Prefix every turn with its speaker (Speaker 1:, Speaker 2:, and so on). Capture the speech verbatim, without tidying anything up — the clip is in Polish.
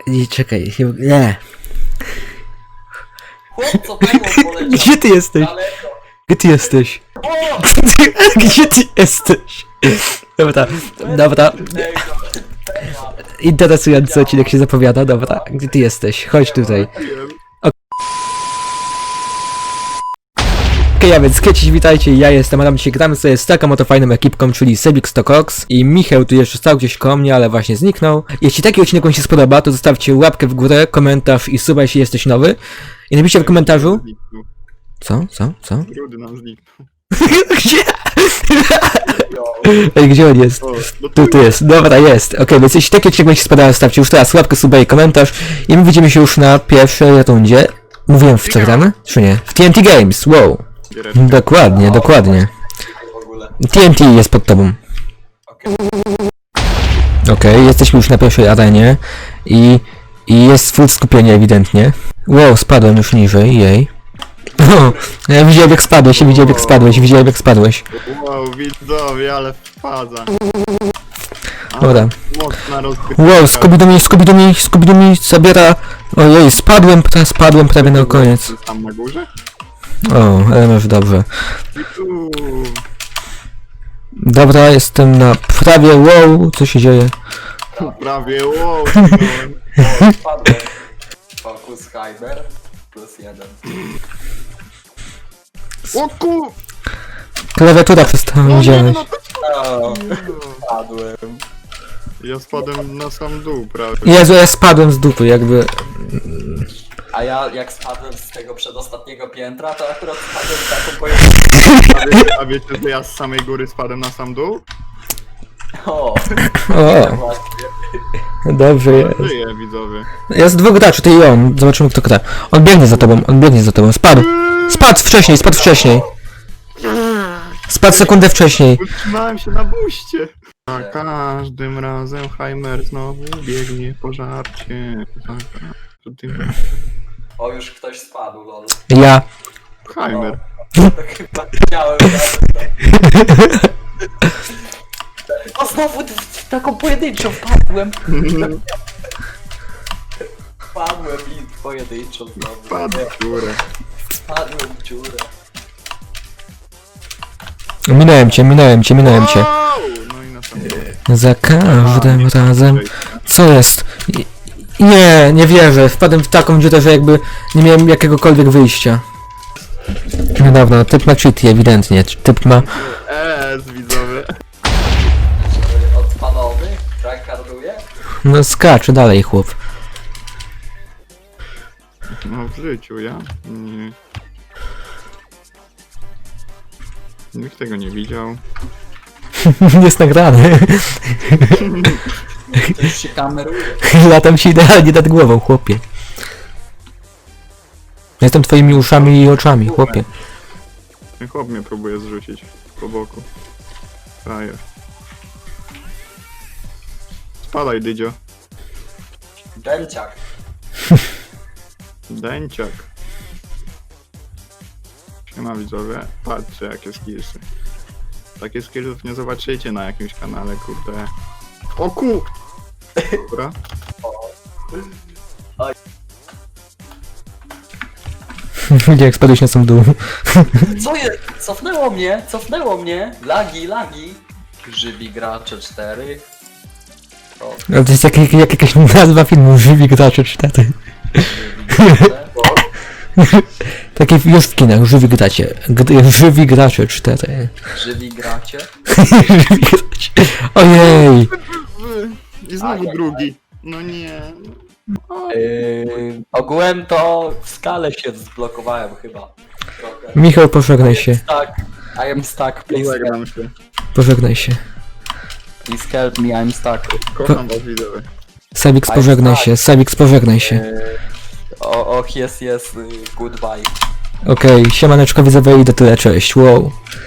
Speaker 1: Nie, czekaj, nie, nie.
Speaker 2: Chłopco, pęgło poleciał.
Speaker 1: Gdzie ty jesteś?
Speaker 2: Daleko.
Speaker 1: Gdzie ty jesteś?
Speaker 2: O!
Speaker 1: Gdzie ty jesteś? Dobra, dobra.
Speaker 2: Tego.
Speaker 1: Interesujący odcinek się zapowiada, dobra. Gdzie ty jesteś? Chodź tutaj. Okej, okay, a więc kiedyś witajcie, ja jestem Adam, dzisiaj gramy sobie z taką oto fajną ekipką, czyli Sebix to Cox i Michał tu jeszcze stał gdzieś koło mnie, ale właśnie zniknął. Jeśli taki odcinek wam się spodoba, to zostawcie łapkę w górę, komentarz i suba, jeśli jesteś nowy. I napiszcie w komentarzu... Co? Co? Co?
Speaker 3: Rudy nam zniknął.
Speaker 1: Gdzie? Ej, gdzie on jest?
Speaker 3: O, no
Speaker 1: Tu, tu jest, dobra, jest. Okej, okay, więc jeśli taki odcinek wam się spodoba, zostawcie już teraz łapkę, suba i komentarz i my widzimy się już na pierwszej rundzie. Mówiłem w co gramy? Czy nie? W T N T Games, wow. Dokładnie, dokładnie.
Speaker 2: W ogóle.
Speaker 1: T N T jest pod tobą.
Speaker 2: Okej.
Speaker 1: Okej, okay, jesteśmy już na pierwszej arenie i, i jest full skupienie ewidentnie. Wow, spadłem już niżej, jej. O, ja widziałem jak spadłeś, ja widziałem jak spadłeś, widziałem jak spadłeś.
Speaker 3: Wow, widzowie, ale wpadza.
Speaker 1: Dobra.
Speaker 3: Mocna rozgrywka.
Speaker 1: Wow, Scooby-Doo mi, Scooby-Doo mi, Scooby-Doo mi zabiera... Ojej, spadłem, pra- spadłem prawie na koniec.
Speaker 3: Tam na górze?
Speaker 1: O, ale masz dobrze.
Speaker 3: Uuu.
Speaker 1: Dobra, jestem na prawie, wow, co się dzieje?
Speaker 3: Prawie, wow.
Speaker 2: O, spadłem. Focus Hyper plus jeden.
Speaker 3: O ku...
Speaker 1: Klawiatura przestała
Speaker 3: No
Speaker 1: mi
Speaker 3: nie,
Speaker 1: działać.
Speaker 3: no to...
Speaker 2: O, spadłem.
Speaker 3: Ja spadłem na sam dół prawie.
Speaker 1: Jezu, ja spadłem z dupy, jakby...
Speaker 2: A ja jak spadłem z tego przedostatniego piętra, to akurat spadłem taką pojedynczą.
Speaker 3: A wiecie, a wiecie, że ja z samej góry spadłem na sam dół?
Speaker 2: O,
Speaker 1: O,
Speaker 2: właśnie.
Speaker 1: dobrze jest.
Speaker 3: Żyję, widzowie.
Speaker 1: Jest dwóch graczy, ty i on. Zobaczymy kto gra. On biegnie za tobą, on biegnie za tobą. Spadł! Spadł wcześniej, spadł wcześniej. Spadł sekundę wcześniej.
Speaker 3: Utrzymałem się na buście. Za każdym razem Heimer znowu biegnie po żarcie. Za każdym...
Speaker 2: O, już ktoś spadł, lol.
Speaker 1: Ja.
Speaker 3: Heimer.
Speaker 2: To chyba chciałem. O, znowu w taką pojedynczą wpadłem. Wpadłem i pojedynczą znowu.
Speaker 3: Padł w górę.
Speaker 2: Wpadłem w dziurę.
Speaker 1: Minąłem cię, minąłem cię, minąłem cię.
Speaker 3: Wow! No i na sam dół.
Speaker 1: Za każdym razem. Co jest? I- Nie, nie wierzę. Wpadłem w taką dziurę, że jakby nie miałem jakiegokolwiek wyjścia. No dobra, typ ma cheaty ewidentnie. Typ ma...
Speaker 3: Eee, widzowie.
Speaker 2: Odpalowy? Tryharduje?
Speaker 1: No skacze dalej chłop.
Speaker 3: No w życiu, ja? Nie. Nikt tego nie widział.
Speaker 1: Jest nagrany.
Speaker 2: To już się kameruje.
Speaker 1: Latam ci idealnie nad głową, chłopie. Jestem twoimi uszami i oczami, chłopie.
Speaker 3: Ten chłop mnie próbuje zrzucić po boku. Frajer. Spadaj, dydzio.
Speaker 2: Dęciak.
Speaker 3: Dęciak. Siema widzowie. Patrzcie jakie skillsy. Takie skillsów nie zobaczycie na jakimś kanale, kurde. O ku! Dobra.
Speaker 1: Widzicie jak spadłeś na sam dół.
Speaker 2: Co jest? Cofnęło mnie, cofnęło mnie. Lagi, lagi. Żywi gracze cztery. O,
Speaker 1: Ale to jest jak, jak, jak jakaś nazwa filmu, Żywi gracze cztery.
Speaker 2: żywi gracze.
Speaker 1: Takie już w kinach, Żywi gracie. G- żywi gracze cztery.
Speaker 2: Żywi gracie.
Speaker 1: Żywi gracze. Ojej!
Speaker 3: I znowu
Speaker 2: Ajajaj.
Speaker 3: drugi. No nie.
Speaker 2: Yy, ogółem to w skale się zblokowałem chyba. Trochę.
Speaker 1: Michał, pożegnaj się.
Speaker 2: Tak. I am stuck, please help,
Speaker 3: Zagram się.
Speaker 1: Pożegnaj się.
Speaker 2: please help me, I'm stuck.
Speaker 3: Kocham was widzowie.
Speaker 1: Sabix, pożegnaj się. Sabix, pożegnaj się.
Speaker 2: Yy, o, och, jest, jest, yy, goodbye.
Speaker 1: Okej, siemaneczko widzowie i do tyle, cześć, wow.